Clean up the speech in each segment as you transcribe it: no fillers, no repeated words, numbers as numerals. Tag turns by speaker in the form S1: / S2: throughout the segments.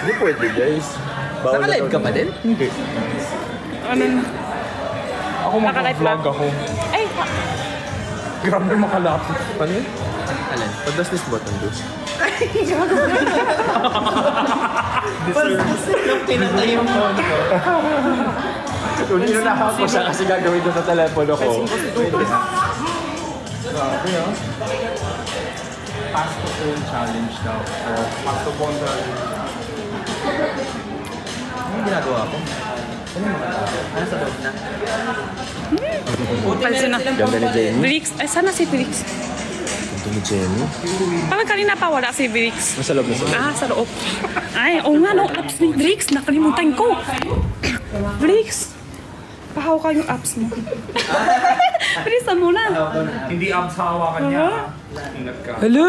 S1: Hindi pwede, guys.
S2: Naka-live ka pa din?
S1: Hindi.
S3: Ano?
S4: Ako
S3: Naka-live
S4: mag-vlog
S3: ka?
S4: ako.
S3: Ay,
S4: Grabe makalapit.
S1: Paano yun?
S2: Alin?
S1: What does this button do?
S2: Pinatay yung phone ko.
S1: Kung inunahan ko siya kasi gagawin ko sa telepono ko.
S4: Grabe ah. Pass to phone challenge daw. Pass to phone challenge.
S2: Ano yung ginagawa ko? Ano yung mga tao? Ano sa loob na?
S3: pansin na.
S1: Ganda ni Jenny.
S3: Felix, ay sana si Felix.
S1: Ganda ni Jenny.
S3: Parang kanina pa wala si Felix.
S1: Nasa loob na sa loob.
S3: Ah, sa loob. Ay, oo nga, no, apps ni Felix. Nakalimutan ko. Felix, pahaw ka yung apps mo. Bilisan mo na.
S4: Hindi abs hawakan niya. Ingat ka.
S3: Hello?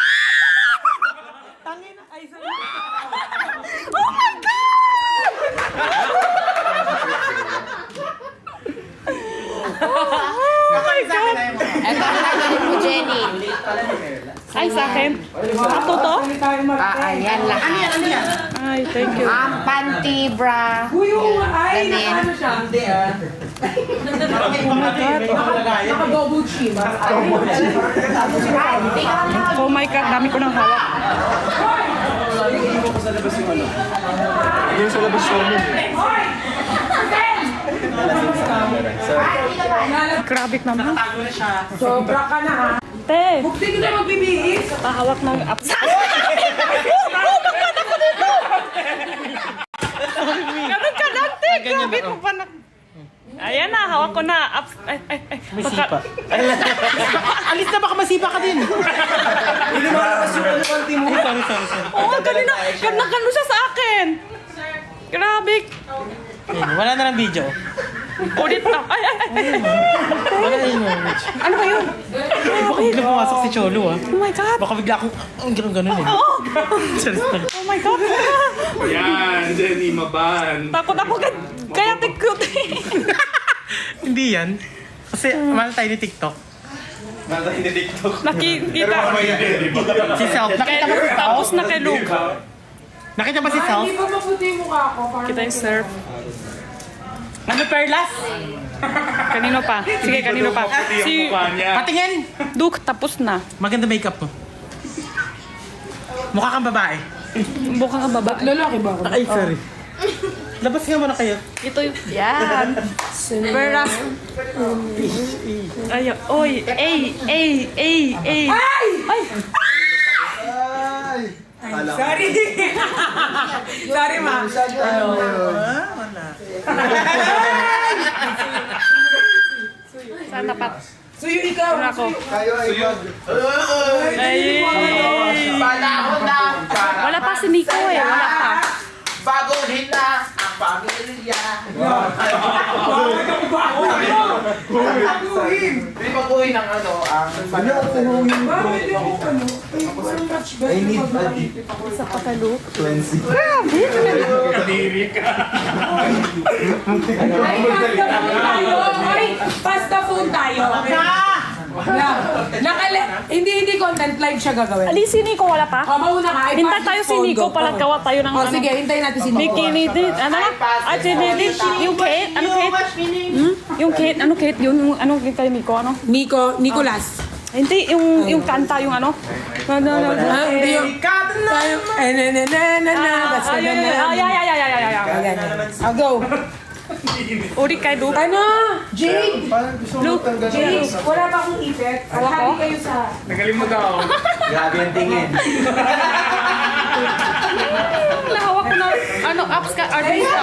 S3: Oh my God!
S5: Ito ang nagawin mo, Jenny.
S3: Ay, sa akin? Ato to?
S5: Ayan lahat.
S3: Ay, thank you.
S5: Panty, bra, damit.
S3: Oh my God, dami ko ng hawak.
S1: Yung sa labas show mo.
S3: Grabe naman.
S6: Sobra ka na ha.
S3: Te,
S6: Bukti ko na magbibihis.
S3: pahawak ng apps. Ganun ka lang, te. Grabe mo pa na. Ayan na, hawak ko na. Apps. Ay, ay, ay. Masipa.
S2: Alis na, baka masipa ka din. Hindi mo alam kasi yung panty mo. Sorry.
S3: Oo, kanina. Gano'n siya sa akin. Grabe.
S2: Wala na lang video.
S3: Ulit na. Ay, ay, ay.
S2: Wala na yung
S3: Ano ba yun?
S2: Baka bigla pumasok si Cholo ah.
S3: Oh my God.
S2: Baka bigla akong, ganun eh.
S3: Oo.
S2: Sorry.
S3: Oh my God.
S4: Yan, Jenny, maban.
S3: Takot ako kaya cute.
S2: Hindi yan. Kasi mahal tayo ni TikTok.
S3: Nakikita.
S2: Si Self. Nakita ba si Self?
S3: Tapos na kay Luke.
S2: Nakita ba si Self?
S6: Hindi pa maputi yung mukha ko.
S3: Kita yung surf.
S2: Ano Perlas?
S3: Kanino pa? Sige, kanino pa? Si
S2: Patingin!
S3: Duke, tapos na.
S2: Maganda makeup mo. Mukha kang babae.
S3: Buka ka baba.
S6: Lalaki ba ako?
S2: Ay, sorry. Labas nga muna kayo.
S3: Ito yung... Yan. Veras. Ay, oy. Ay! Ay!
S6: Sorry. Sorry ma.
S3: Saan dapat?
S6: Suyo ikaw.
S3: Ano ako?
S1: Suyod.
S3: Ay! Wala pa si Nico eh. Wala pa.
S7: Baguhin na ang pamilya. Hindi baguhin ang ano, ang
S6: Bakit yung ano? I need
S3: Isa pa kay Luke.
S1: Cleansing.
S4: Kadiri ka.
S6: Ay, pasta phone tayo. Hindi content live siya gagawin.
S3: Ali, si Nico wala pa?
S6: O, mauna ka. Ay,
S3: Hintay
S6: pass
S3: tayo
S6: this
S3: si
S6: phone,
S3: Nico
S6: go.
S3: pala gawa tayo ng
S6: O, sige, hintayin natin si Nico.
S3: Bikini din. Ano na? Ay, si Nico. Yung Kate? Ano Kate? Yung Kate? Ano Kate? Yung ano kay Nico? Ano?
S6: Nicolas.
S3: Hindi, yung kanta, yung ano?
S6: Hindi yung... Ay, basta
S3: Ay,
S6: Ayan. I'll go.
S3: Uri kay Luke.
S6: Ano? Jade!
S3: Luke.
S6: Jade! Wala pa akong ipit. Happy kayo sa...
S4: Nagaling mo daw.
S7: grabe ang tingin.
S3: Nahawak ko na, ano, apps ka, artista.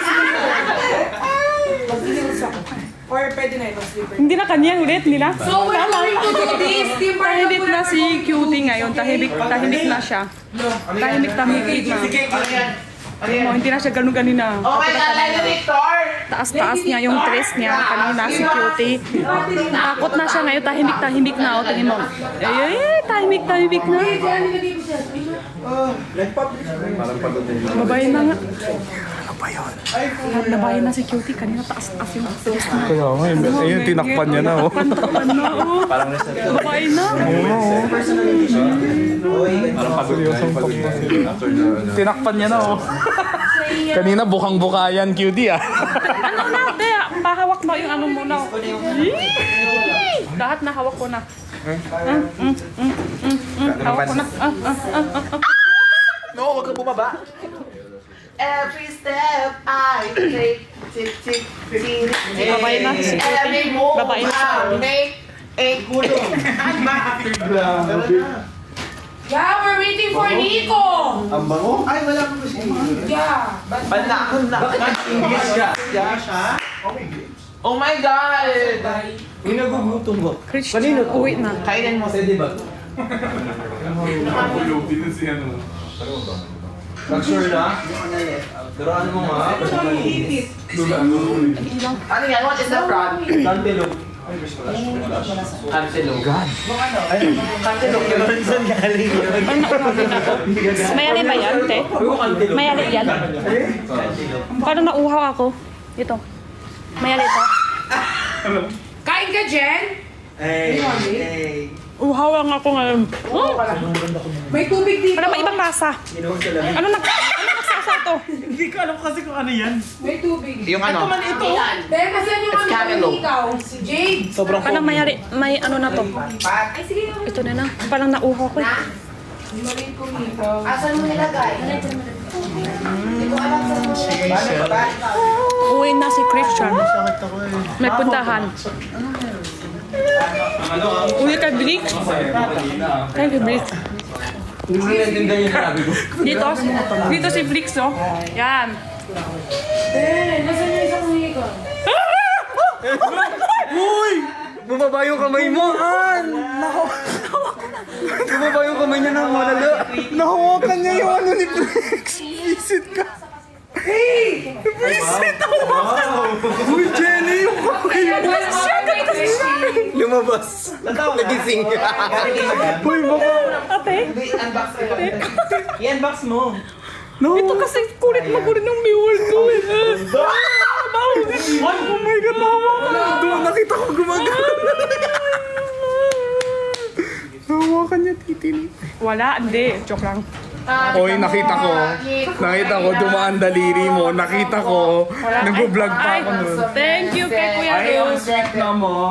S6: Mag-heels ako. Or pwede na ito, slipper.
S3: Hindi na kanya ulit nila.
S6: So, we're going to do this. Team
S3: Tahimik na si Cutie ngayon. Tahimik na siya. Tahimik na. Oh, hindi na siya ganun kanina.
S7: Okay, alala Victor!
S3: Taas-taas niya yung dress niya. Kanina si Cutie. Takot na siya ngayon. Tahimik na. O, tingin mo. Tahimik na.
S1: Parang pagod na yun.
S3: Babae na nga.
S1: ba yun?
S3: Nabayan na si Cutie. Kanina taas-taas yung stress na.
S1: Kaya nga, ayun, tinakpan niya na, oh.
S3: Pantapan na, oh. Babae na.
S1: Parang pagod na, pagod na. Tinakpan niya na, oh. Kanina, bukang-buka yan, cutie, ah.
S3: Ano na, te? Pahawak mo yung ano muna. Lahat na hawak ko na. Hawak ko na.
S7: No, huwag kang bumaba. Every step I take, tick, tick, tick, tick.
S3: Babae na si Cutie.
S7: Every move
S3: Babae na siya.
S7: I make, gulong.
S6: Yeah, we're waiting for Nico!
S7: Ang bango? Ay, wala mo siya.
S6: Yeah.
S7: Panakon na. Bakit English ka? Oh my God!
S2: Ginagugutom ko.
S3: Christian, uwi na.
S7: Kainin mo sa diba?
S2: Mag-sure na? Turuan mo nga.
S7: Ano yan? What is the front?
S2: Cantaloupe.
S7: Antelope. God.
S2: Cantaloupe. Saan galing yun?
S3: Mayali ba yan, te? Mayali yan. Paano nauhaw ako? Ito. Mayali ito.
S6: Kain ka, Jen?
S2: Hey.
S3: Uhaw lang ako ngayon.
S6: May tubig dito.
S3: Parang may ibang lasa. Ano nagsasa ito?
S2: Hindi ko alam kasi kung ano yan.
S6: May tubig.
S7: Yung ano?
S6: Dahil kasi yung ano
S7: cantaloupe.
S6: ikaw, si Jade.
S2: Sobrang
S3: Parang mayali, may ano na to. Ito na na. Parang nauhaw ko.
S6: Mali ko Nico.
S5: Asan mo nilagay? Hindi ko alam saan mo nilagay.
S3: Uwi na si Christian. May puntahan. Uwi kay Blix. Kay Blix.
S2: Hindi mo naiintindihan yung sinabi ko.
S3: Dito si Blix, oh. Yan.
S6: Nasaan yung isang Nico?
S2: Uy! Bumaba yung kamay mo, Han! Bumaba yung kamay niya ng malala.
S1: Nahawakan niya yung ano ni Flex. Visit ka. Visit ako. Uy, Jenny, yung kamay mo.
S2: Lumabas. Nagising.
S1: Uy, baka.
S3: Ate,
S2: I-unbox mo.
S3: ito kasi kulit ng biwal ko eh.
S1: Oh my God, nahawakan. Doon, nakita ko gumagana. Nahawakan niya titi ni.
S3: Wala, hindi. Joke lang.
S1: Oy, nakita ko. Nakita ko, dumaan daliri mo. Nakita ko. Nag-vlog pa ako nun.
S3: Thank you kay Kuya Rose.
S2: Check na mo.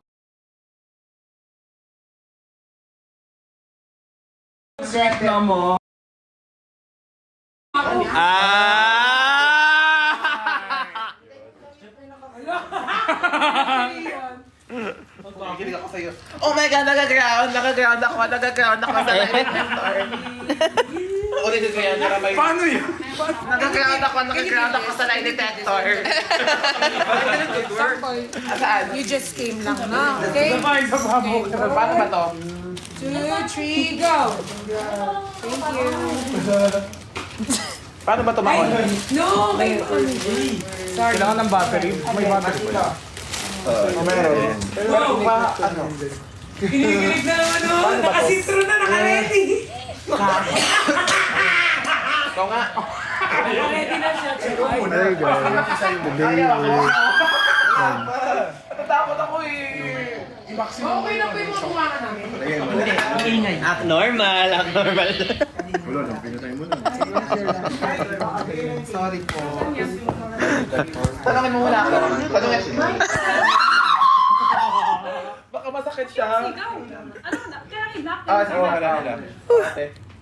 S2: Check na mo.
S7: Nakikinig ako sa'yo. Oh my God, nag-ground ako sa elevator. Ulitin ko yan, para may...
S1: Paano yun?
S7: Nag-ground ako sa lie detector. Saan?
S6: You just came lang na. Okay?
S7: Paano ba to?
S6: 2, 3, go! Thank you.
S7: Paano ba tumawag?
S6: No, may
S1: Kailangan ng battery. May battery pa yan.
S7: Meron. Pero pa, ano?
S6: kinikilig na naman nun. Nakasintro na, naka-ready.
S7: Ikaw nga.
S6: Naka-ready na siya.
S1: There you go.
S7: Natatakot ako eh.
S6: Okay na po yung mga kumakan namin.
S2: Act normal.
S7: Sorry po. Tanongin mo muna ako. Tanongin. Baka masakit siya.
S3: Ano na? Kaya hinap.
S7: Wala. Ate.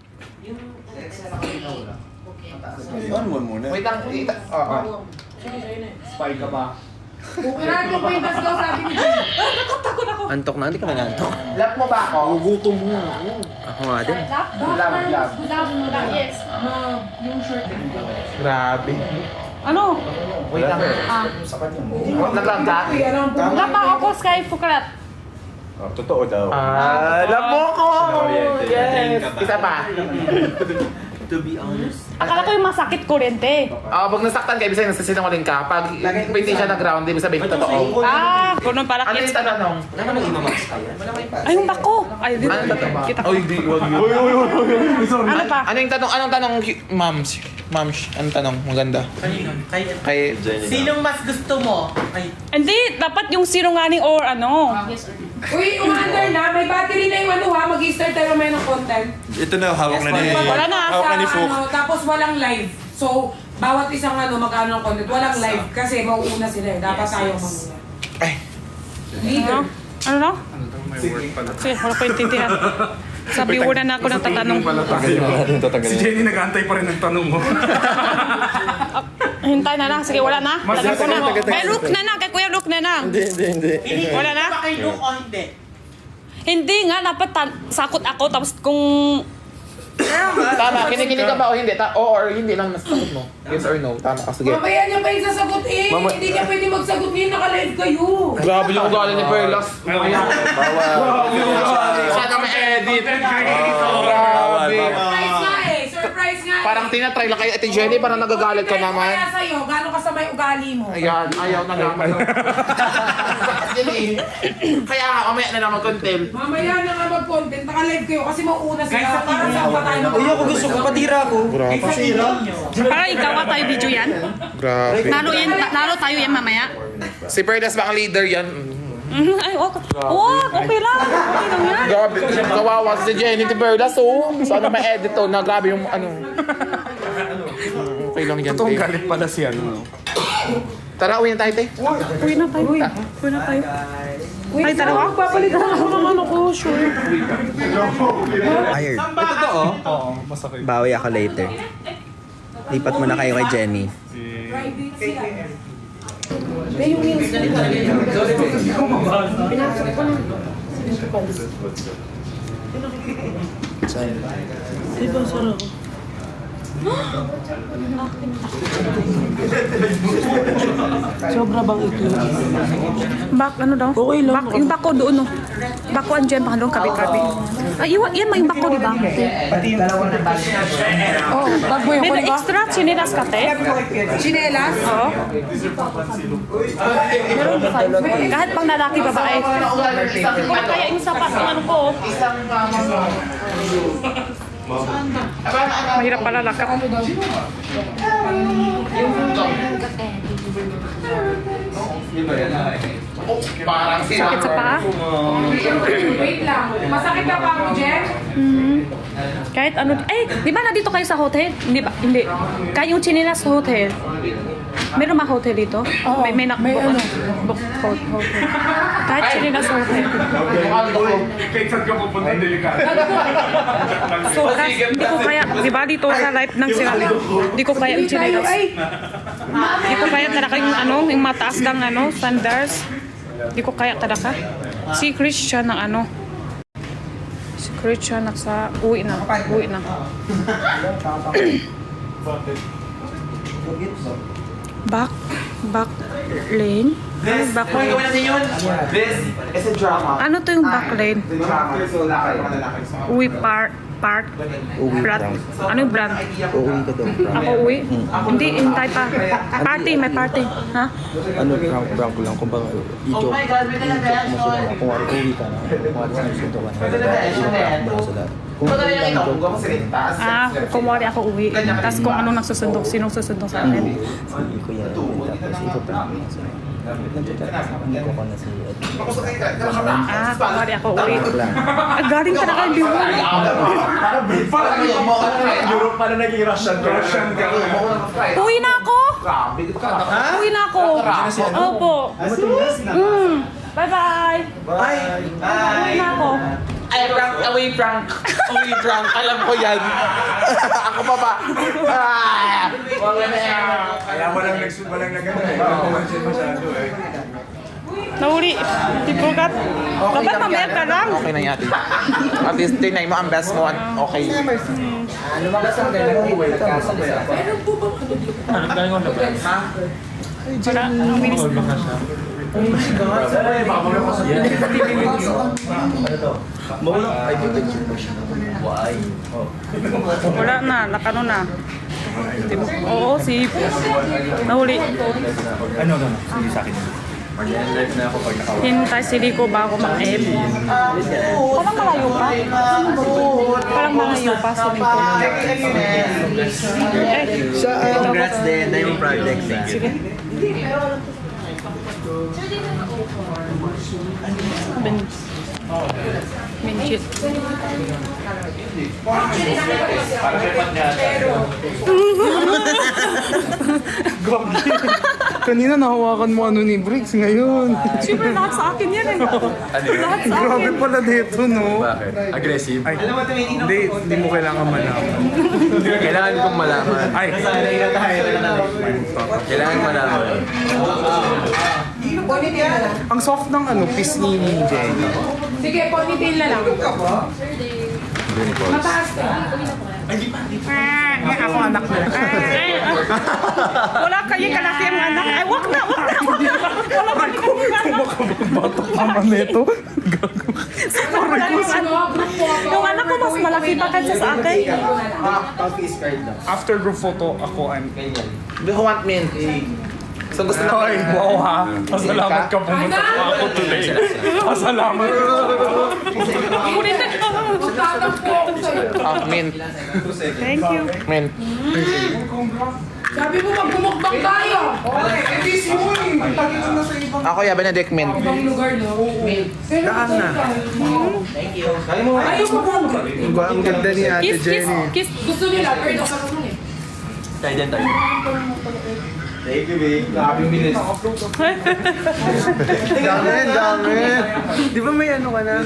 S7: Wait lang. Oo.
S2: Spy ka ba?
S6: Kailangan ko paintas daw sabi ni Jade.
S3: Nakatakot ako.
S2: Antok na, hindi ka nangantok.
S7: Lap mo ba ako?
S2: Gugutom mo. Ako nga din.
S7: Love.
S3: Yes.
S6: Yung shirt.
S7: Grabe.
S3: Ano?
S7: Wait lang. Nag-love that?
S3: Lapa ako, Sky Fukrat.
S1: Totoo daw.
S7: Love mo ko! Yes! Isa pa.
S2: To be honest.
S3: Akala ko yung masakit kuryente.
S7: Pag nasaktan ka, ibig sabihin nagsisinungaling ka. Pag hindi siya nag-ground, ibig sabihin totoo.
S3: Ganun pala
S7: Ano
S3: kids.
S7: yung tanong?
S2: Wala namang imamax ka yan.
S3: Ay, yung bako. Ay, dito.
S7: Ano yung tanong?
S3: Kita ko.
S7: Oy, di, wag yun.
S3: Ano pa?
S7: Ano yung tanong? Anong tanong, ma'am? Ma'am, ang tanong, maganda. Kay Jenny.
S2: Sinong mas gusto mo? Ay,
S3: Hindi, dapat yung sinungaling or ano.
S6: Uy, umaandar na. May battery na yung ano ha. Mag-start tayo may ng content.
S8: Ito na, hawak na ni...
S3: Wala na.
S8: Hawak na ni Fuk.
S6: Ano, tapos walang live. So, bawat isang ano, mag-ano ng content. Walang live kasi mauuna sila eh. Dapat tayo mamuna.
S7: Ay.
S6: Leader.
S3: Ano na?
S4: May work pala.
S3: Sige, wala ko intindihan. Sabi mo na ako ng tatanong.
S4: Si Jenny nag-aantay pa rin ng tanong mo.
S3: Hintay na lang. Sige, wala na. Tanong ko na. Kay Luke na lang. Kay Kuya Luke na lang.
S7: Hindi.
S3: Wala na?
S2: ba kay Luke o hindi?
S3: Hindi nga, dapat sakot ako. Tapos kung...
S7: Tama, kinikinig ka ba o hindi? Oo or hindi lang nasasagot mo. Yes or no? Tama ka, sige.
S6: Mamaya niya pa yung sasagutin. Hindi niya pwede magsagot ngayon. Naka-live kayo.
S7: Grabe yung ugali ni Perlas. Sana may edit. Grabe.
S6: Surprise nga eh. Surprise nga eh.
S7: Parang tinatry lang kay Ate Jenny, parang nagagalit ka naman.
S6: Kaya sa'yo, gano'n ka sa may ugali mo.
S7: Ayan, ayaw na naman. Kaya nga, mamaya na naman content.
S6: Mamaya na nga mag-content. Naka-live kayo kasi mauuna sila. Para saan pa tayo
S2: Uy, ako gusto ko, patira ko.
S3: Para ikaw ka tayo video yan.
S7: Grabe.
S3: Nalo tayo yan mamaya.
S7: Si Perlas ba ang leader yan?
S3: Ay, okay lang. Okay lang yan.
S7: Grabe, kawawa si Jenny si Perlas, oh. Sana may edit to na grabe yung ano. Okay lang yan,
S4: Totoong
S7: te.
S4: galit pala si ano.
S7: Tara, uwi na tayo, te.
S3: Uwi na tayo. Uwi na tayo. Ay, dalawa. Papalitan ako ng ano ko, sure.
S9: Hired.
S4: Oo, masakit.
S9: Bawi ako later. Lipat mo na kayo kay Jenny.
S6: private sila.
S2: Sobra bang ito?
S3: Bak, ano daw?
S2: Okay lang.
S3: Bak, yung bako doon, no? Bako andyan, baka doon, kabi-kabi. Ay, yan mo yung bako, di ba?
S6: Oh, bag mo yung
S3: May
S6: kuliba?
S3: extra chinelas ka, te?
S6: Chinelas?
S3: Oo. Meron ba kayo? Kahit pang lalaki, babae. Kung kaya yung sapat ng ano ko. Mahirap pala lakap.
S7: Parang
S3: Sakit sa paa?
S6: Wait lang. Masakit na pa ako, Jen?
S3: Kahit ano, di ba nandito kayo sa hotel? Hindi ba? Hindi. Kahit yung chinelas sa hotel. Meron ba hotel dito? Oo. May ano? Hotel. Kahit chinelas sa hotel.
S4: Kahit saan ka pupunta, delikado.
S3: So, hindi ko kaya, di ba dito sa life ng sila, hindi ko kaya yung chinelas. Hindi ko kaya talaga yung ano, yung mataas ng ano, standards. Hindi ko kaya talaga. Si Christian ng ano, si Christian nasa uwi na. Back lane? Ano back lane?
S7: This is a drama.
S3: Ano to yung back lane?
S7: Drama. So, lakay.
S3: Uwi park? Brand? Ano yung brand?
S9: Uuwi ka daw.
S3: Ako uwi? Hindi, hintay pa. May party. Ha?
S9: Ano, prank ko lang. Kung baka i-joke. Kung wari uwi ka na. Kung wari sinusunto ka na. I-prank mo na sila. Kung
S3: Kumwari ako uwi. Tapos kung anong nagsusundok, sinong susundok sa akin.
S9: si Kuya Edwin, tapos i-prank mo na sila. Nagchat sa akin ko na si Edwin.
S3: Kumwari ako uwi. Galing ka na kayo, Biwan.
S8: Europe pa na naging Russian ka.
S3: Uwi na ako! Uwi na ako! Opo. Bye-bye! Uwi na ako.
S7: Ay, prank. Alam ko yan. Ako pa ba?
S8: Kaya walang nagano eh. Walang masyado eh.
S3: Nahuli. Tipugat. Dapat mamaya ka lang.
S7: Okay na yati. At least, tinay mo ang best mo. Okay.
S3: Wala na. Nakano na. Oo, si... Nahuli.
S4: Ano, sige sa akin.
S8: Mag-live na ako pag nakawala.
S3: Hintay si Rico bago mag-end. Parang malayo pa. Parang malayo pa si Rico.
S7: Congrats din, Diamond Project.
S3: Sige. Minchit.
S1: Kanina nahawakan mo ano ni Briggs ngayon.
S3: Siyempre, lahat sa akin yan eh. Lahat sa akin.
S1: Grabe pala dito, no?
S8: Bakit? Aggressive?
S1: Ay, hindi mo kailangan malaman.
S8: Kailangan kong malaman.
S1: Ay,
S8: Kailangan malaman.
S1: ang soft ng ano, piece ni Jenny.
S6: Sige, ponytail na lang. Mataas ka.
S1: Ako anak mo.
S3: Wala kayo kalaki ang anak. Ay, wag na. Wala kayo.
S1: Batok naman nito.
S3: Wala yung ano. Yung anak ko mas malaki pa kaysa sa akin.
S1: After group photo, ako I'm...
S7: Do you want mint? So gusto na
S1: Ay, wow ha. Pasalamat ka pumunta pa ako today. Pasalamat.
S3: Ulitin ko.
S7: mint.
S3: Thank you.
S7: Mint.
S6: Sabi mo magmumukbang tayo.
S7: Ako ya, Benedict mint.
S6: Ibang lugar, no? Daan na. Ayaw mo ba?
S1: Ang ganda ni Ate
S3: Kiss, kiss,
S1: Jenny.
S3: kiss.
S6: Gusto nila, pero ka naman eh.
S8: Tayo dyan tayo.
S1: Dami. Di ba may ano ka na?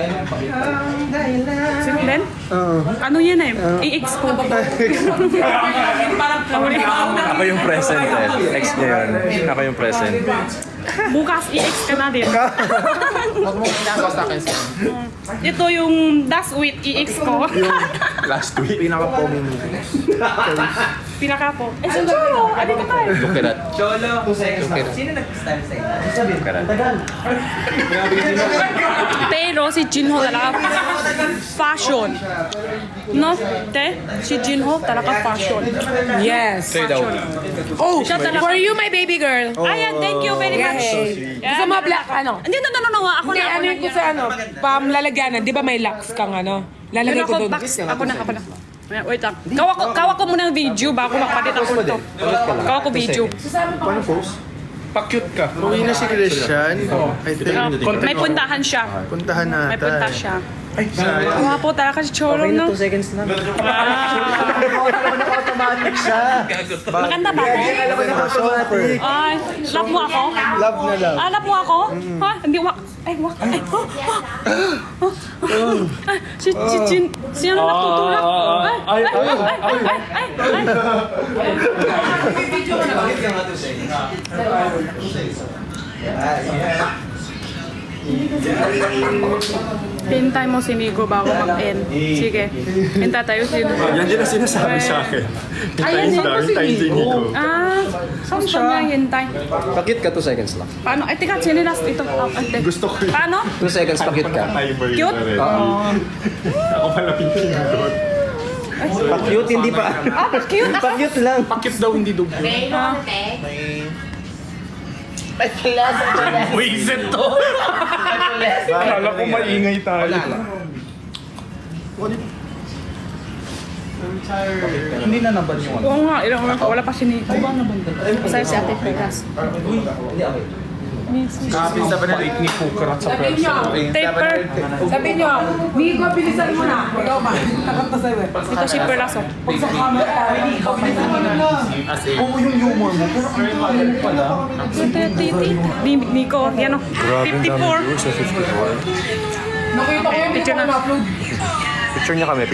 S3: Len? Ano yan eh? I-X ko.
S6: Parang
S8: Ako yung present eh. Next niya yun. Ako yung present.
S3: Bukas i-X ka na din.
S7: Huwag mo ginagawa sa akin.
S3: Ito yung last week i-X ko.
S8: Last week.
S1: Pinaka-pogi mo.
S3: Pinaka po. Eh, si Cholo! Ano ka tayo?
S8: Look at that.
S3: Pero si Jinho talaga fashion. No? Te? Si Jinho talaga fashion.
S6: Yes.
S3: Fashion.
S6: Oh,
S3: Siya talaga.
S6: for you, my baby girl.
S3: Ayan, thank you very much.
S6: Gusto mo black, ano?
S3: Hindi, no. Ako
S6: Hindi,
S3: na.
S6: ano yung gusto, ano? Pamlalagyanan. Di ba may locks kang, ano? Lalagay ko doon.
S3: Ako na. Wait lang. Kawa ko muna ng video bago makapalit ako ito. Kawa ko video.
S1: Paano post? Pa-cute ka. Uwi na si Christian. I think.
S3: May puntahan siya.
S1: Puntahan natin.
S3: May punta siya.
S1: Ay, sorry.
S3: Kawa po talaga si Cholo, no?
S9: 2 seconds lang.
S7: Automatic siya.
S3: Maganda ba ako?
S1: Super.
S3: Ay, love mo ako?
S1: Love na love.
S3: Love mo ako? Ha? Hindi wak. Ay, wak. Ay, si ano natutulak? Ay. Hintay mo si Nigo bago mag-end. Sige. Hintay tayo si Nigo.
S8: Yan din ang sinasabi sa akin.
S3: Ayan,
S8: Hintayin daw, hintayin din Nico.
S3: Saan niya hintay?
S9: Pakit ka 2 seconds lang.
S3: Paano? Ay, teka, sinilas ito.
S8: Gusto ko yun.
S3: Paano?
S9: 2 seconds, pakit ka.
S8: Timer yun
S3: Cute?
S8: na rin. Ako pala pinipindot.
S9: Pa-cute, hindi pa.
S3: Cute.
S9: Pa-cute lang.
S1: Pakit daw hindi dugo. Buisit to. Akala ko maingay tayo. Hindi na naban yung ano.
S3: Oo nga, ilang oras wala pa si Nico. Masaya si Ate Pegas.
S1: Kapit sa panalik ni Pukarat sa
S6: Sabi niyo,
S3: Taper.
S6: sabi niyo, Nico, bilisan mo na. Ikaw ba? Takot na sa'yo eh.
S3: Ito si Perlaso.
S6: Pag sa camera, Nico, bilisan mo na.
S1: Oo, yung humor mo. Pero ang pangit pala.
S3: Nico, yan o. 54.
S6: Nakita ko yung
S3: Picture
S6: Nico
S3: na.
S6: upload.
S8: Picture niya kami.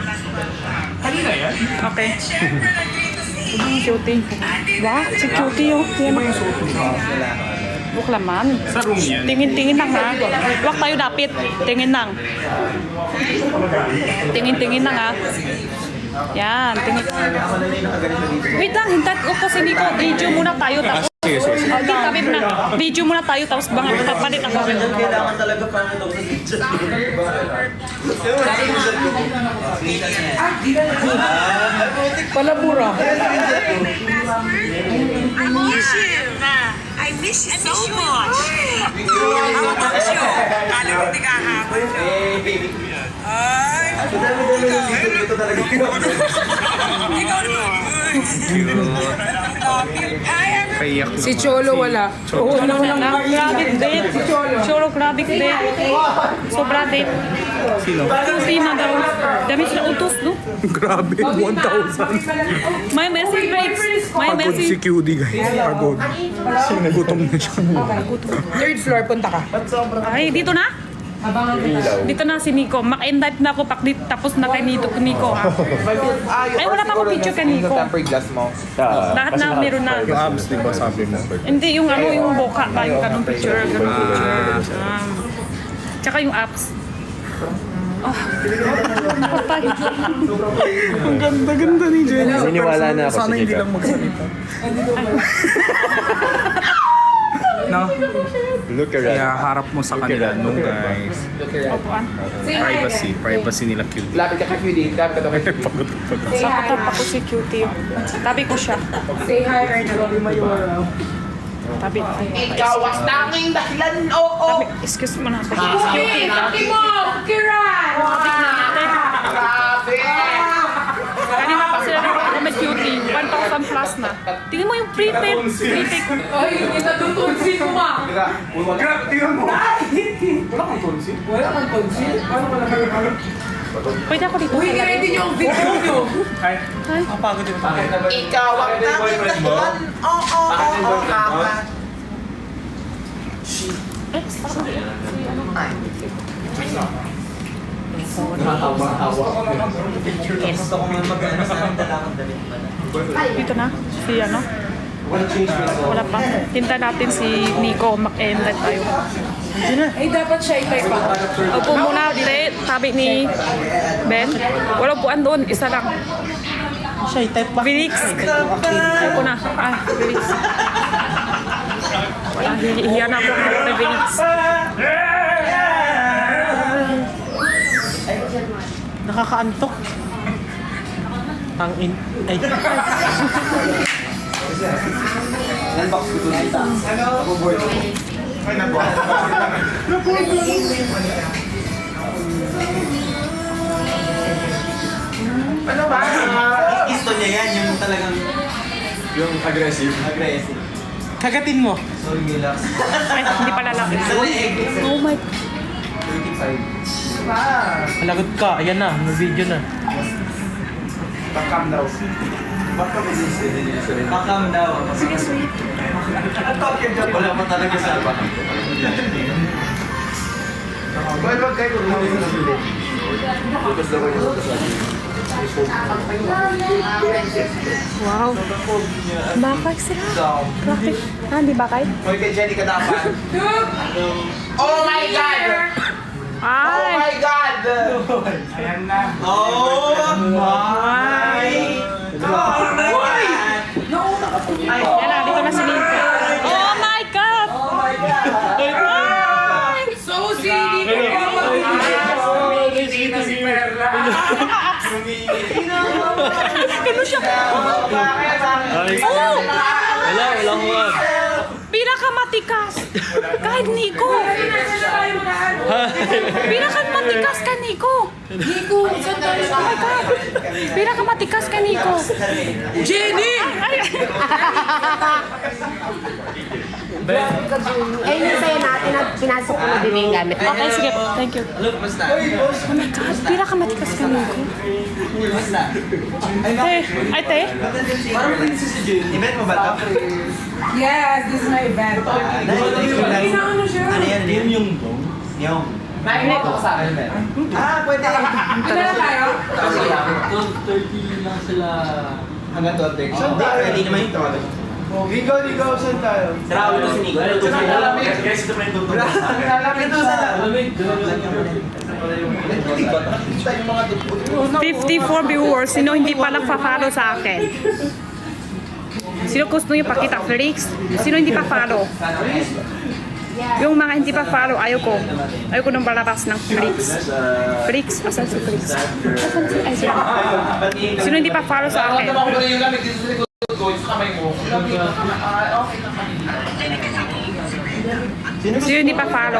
S3: Okay. Cutie. Wow, si Cutie yun. Yan o. Buklaman.
S1: Sa room yan.
S3: Tingin-tingin lang ha. Huwag tayo dapit. Tingin lang. Tingin-tingin lang ha. Yan, tingin. Wait lang, hintat ko kasi Nico. Video muna tayo. Tapos, kami na. Video muna tayo. Tapos bang papalit ako.
S7: Kailangan talaga pang ito sa picture.
S6: Palabura.
S10: I miss you. I miss
S3: miss you so much. How about you? Kala ko di kahabol ka. Ay, ikaw naman.
S6: Si Cholo wala.
S3: Grabe date. Cholo, grabe date. Sobra date.
S1: Sino?
S3: Hindi na daw. Dami sila utos, no?
S1: Grabe, 1,000.
S3: May message breaks. May
S1: Pagod si
S3: message.
S1: QD guys. Pagod. Gutom na siya.
S6: Third floor, punta ka.
S3: Ay, dito na?
S6: Abangan kita.
S3: Dito na si Nico. Mak-invite na ako tapos na kay Nico ha. Ay, wala pa ako picture kay Nico.
S7: tempered glass mo.
S3: Lahat na meron na.
S1: Yung abs, di ba sabi mo?
S3: Hindi, yung ano, yung boka ba, yung ganong picture, ganong picture. Tsaka yung apps.
S1: Ang ganda-ganda ni Jenny.
S9: Naniniwala na ako sa
S1: Sana hindi
S9: Jacob.
S1: lang magsalita. No?
S9: Look around.
S1: Kaya harap mo sa kanila no guys. Privacy nila QD.
S7: Lapit ka kay QD. Lapit ka kay QD.
S1: Pagod.
S3: Sakotap ako si Cutie. Tabi ko siya.
S6: Say hi, Erna.
S3: Tabi.
S7: Ikaw ang tanging dahilan, oo.
S3: Excuse mo na. Cutie.
S6: Mo! Kiran!
S7: Grabe!
S3: Kanina pa sila ako may Cutie. 1,000 plus na. Tingnan mo yung prepaid. Prepaid.
S6: Ay, hindi na tutunsin mo ma!
S8: Grabe, tingnan mo.
S6: Wala kang tunsin? Paano ka nakakala?
S3: Pwede ako dito.
S6: Uy, i-ready niyo ang video niyo!
S7: Ikaw ang tanging dahilan, oo, kaka.
S3: Dito na. Si ano? Wala pa. Tinta natin si Nico. Mag-end tayo.
S6: Ay, dapat siya i-type pa.
S3: Upo muna, dire. Sabi ni Ben. Walang upuan doon. Isa lang.
S2: Siya, type pa.
S3: Felix. Upo na. Ay, Felix. Wala, hihiyan ako kay Felix.
S2: Nakakaantok. Ang in... Ay.
S7: Ano ba? Gusto niya yan, yung talagang...
S8: Yung aggressive.
S7: Aggressive.
S2: Kagatin mo.
S7: Sorry, relax.
S3: Ay, hindi pala lang. Oh my...
S7: 35.
S2: Malagot ka. Ayan na. May video na.
S8: Pakam daw.
S7: Pakam daw.
S3: Sige, sweet.
S7: Wala pa talaga sa ba?
S8: Wag kayo kung hindi sa nabili. Focus daw kayo sa
S3: Wow. Bakay sila. Bakit? Ah, hindi bakay?
S7: Hoy, kay Jenny ka dapat. Oh my God! Oh
S3: Ay!
S7: my God!
S8: Ayan na.
S7: Oh my God!
S3: Yan na, dito na si Nico. Oh my God! Ay!
S6: So, si Nico
S8: Si Perla.
S3: Ano siya? Oh!
S9: Wala ko.
S3: Pinakamatikas! Kahit Nico! Pinakamatikas ka, Nico!
S6: Nico, saan tayo?
S3: Oh my God! Pinakamatikas ka, Nico!
S6: Jenny!
S3: Ay!
S5: Eh, yung sa'yo natin at pinasok ko na din yung gamit.
S3: Okay, sige. Thank you.
S7: Look, basta.
S3: Oh my God! Pinakamatikas ka, Nico.
S7: Basta.
S3: Te! Ay, te!
S7: Parang princess si Jenny. Event mo ba ito?
S6: Yes, this is my event. Ano siya?
S7: Ano yan? Yung yung. Magnet ko sa akin, Ben. Ah, pwede.
S6: Ano na tayo?
S7: 12:30 lang sila. Hanggang 12:30. So, pwede naman yung tawag.
S8: Ligaw, saan tayo?
S7: Travel to si Nico. Guys, ito pa yung tutulog sa akin. Lalapit to sa lamig.
S3: 54 viewers. Sino hindi pa nagpa-follow sa akin? Sino gusto niyo pakita? Felix? Sino hindi pa follow? Yung mga hindi pa follow, ayoko. Ayoko nang palabas ng Felix. Felix? Asan si Felix? Asan si... Ay, sino? Sino hindi pa follow sa akin?
S7: Yung lamig dito sa likod ko, sa kamay mo.
S3: Sino hindi pa follow?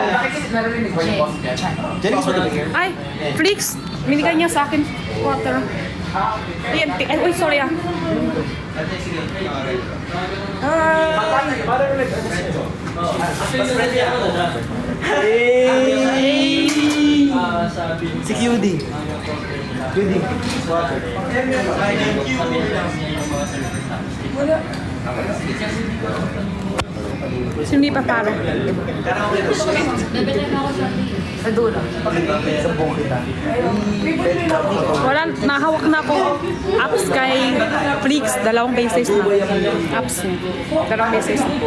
S2: Jenny is over here.
S3: Ay, Flix, binigay niya sa akin water. Ayan, ay, uy, sorry ah.
S2: Si QD. QD.
S3: Sino hindi pa follow? Wala, nahawak na ako apps kay Flix, 2 beses na. Apps niya, 2 beses na.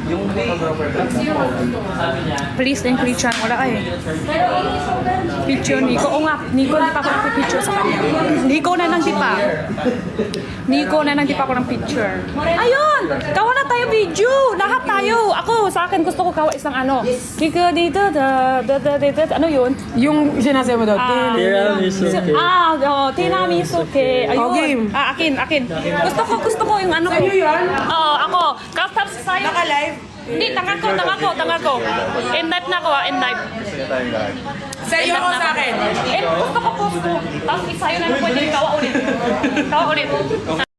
S3: Flix and Christian, wala eh. Picture, Nico. O nga, Nico, hindi pa ako nagpipicture sa kanya. Nico na nang di pa. Nico na nang di pa ako ng picture. Ayun! Kawa na tayo video! Lahat tayo! Ako, sa akin, gusto ko kawa isang ano. Kiko dito, ano yun?
S6: Yung sinasabi mo daw,
S3: Tiramisu ke. Ayun.
S6: game.
S3: Akin. Gusto ko yung ano ko. Sa'yo yun? Oo, ako. Tapos sa'yo.
S6: Naka-live?
S3: Hindi, tanga ko. In live na ako in live.
S6: Sa'yo o sa akin?
S3: Gusto ko post ko. Tapos sa'yo na pwede kawa ulit.